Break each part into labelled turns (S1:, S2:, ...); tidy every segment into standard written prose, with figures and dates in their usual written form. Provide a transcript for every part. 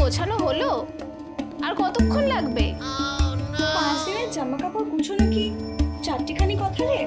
S1: গোছানো হলো? আর কতক্ষণ লাগবে?
S2: 5 দিনের জামা কাপড় গুছানো কি চারটিখানি কথা রে?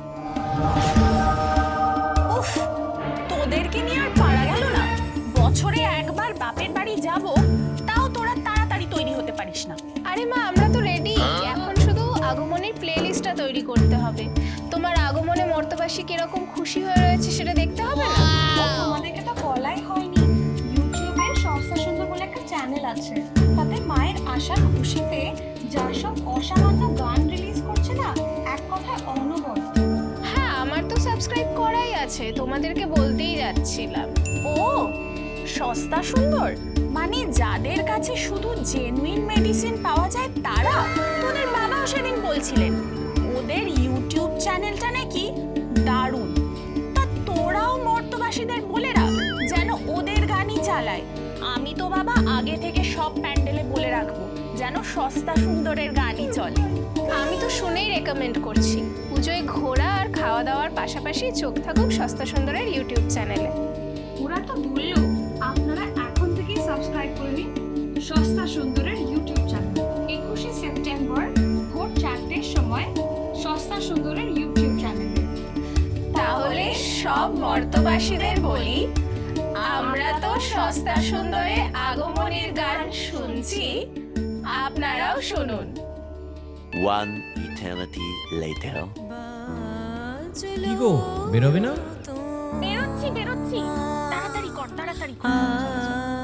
S3: উফ, তোদেরকে নিয়ে আর পারা গেল না। বছরে একবার বাপের বাড়ি যাব, তাও তোরা তাড়াতাড়ি তৈরি হতে পারিস না।
S1: আরে মা, আমরা তো রেডি। এখন শুধু আগমনের প্লেলিস্টটা তৈরি করতে হবে। তোমার আগমনে মর্তবাসী কিরকম খুশি হয়ে রয়েছে সেটা দেখতে হবে না?
S2: তোমাদেরকে তো বলাই হয়নি, ইউটিউবে সস্তা সুন্দর বলে একটা চ্যানেল আছে। তাতে মায়ের আশার খুশিতে যার সব অসামান্য গান রিলিজ করছে না, এক কথায় অনবদ্য।
S1: হ্যাঁ, আমার তো সাবস্ক্রাইব করাই আছে, তোমাদেরকে বলতেই যাচ্ছিলাম।
S3: ও, সস্তা সুন্দর মানে যাদের কাছে শুধু জেনুইন মেডিসিন পাওয়া যায় তারা? তোদের বাবাও সেদিন বলছিলেন ওদের ইউটিউব চ্যানেলটা নাকি দারুণ। তা তোরাও মর্তবাসীদের বলে রাখ যেন ওদের গানই চালায়। আমি তো বাবা আগে থেকে সব প্যান্ডেলে বলে রাখবো যেন সস্তা সুন্দরের গানই চলে।
S1: আমি তো শুনেই রেকমেন্ড করছি, পুজোয় ঘোরা আর খাওয়া দাওয়ার পাশাপাশি চোখ থাকুক সস্তা সুন্দরের ইউটিউব চ্যানেলে।
S2: ওরা তো বললো আপনারা এখন থেকেই সাবস্ক্রাইব করে নিন সস্তা সুন্দরের ইউটিউব চ্যানেল। 21শে সেপ্টেম্বর ভোর 4টের সময় সস্তা সুন্দরের ইউটিউব চ্যানেলে।
S1: তাহলে সব মর্তবাসীদের বলি, আমরা তো সস্তা সুন্দরে আগমনের গান শুনছি, আপনারাও শুনুন।
S4: One eternity later.
S5: কি গো, বেরোবে না?
S3: বেরোচ্ছি তাড়াতাড়ি কর।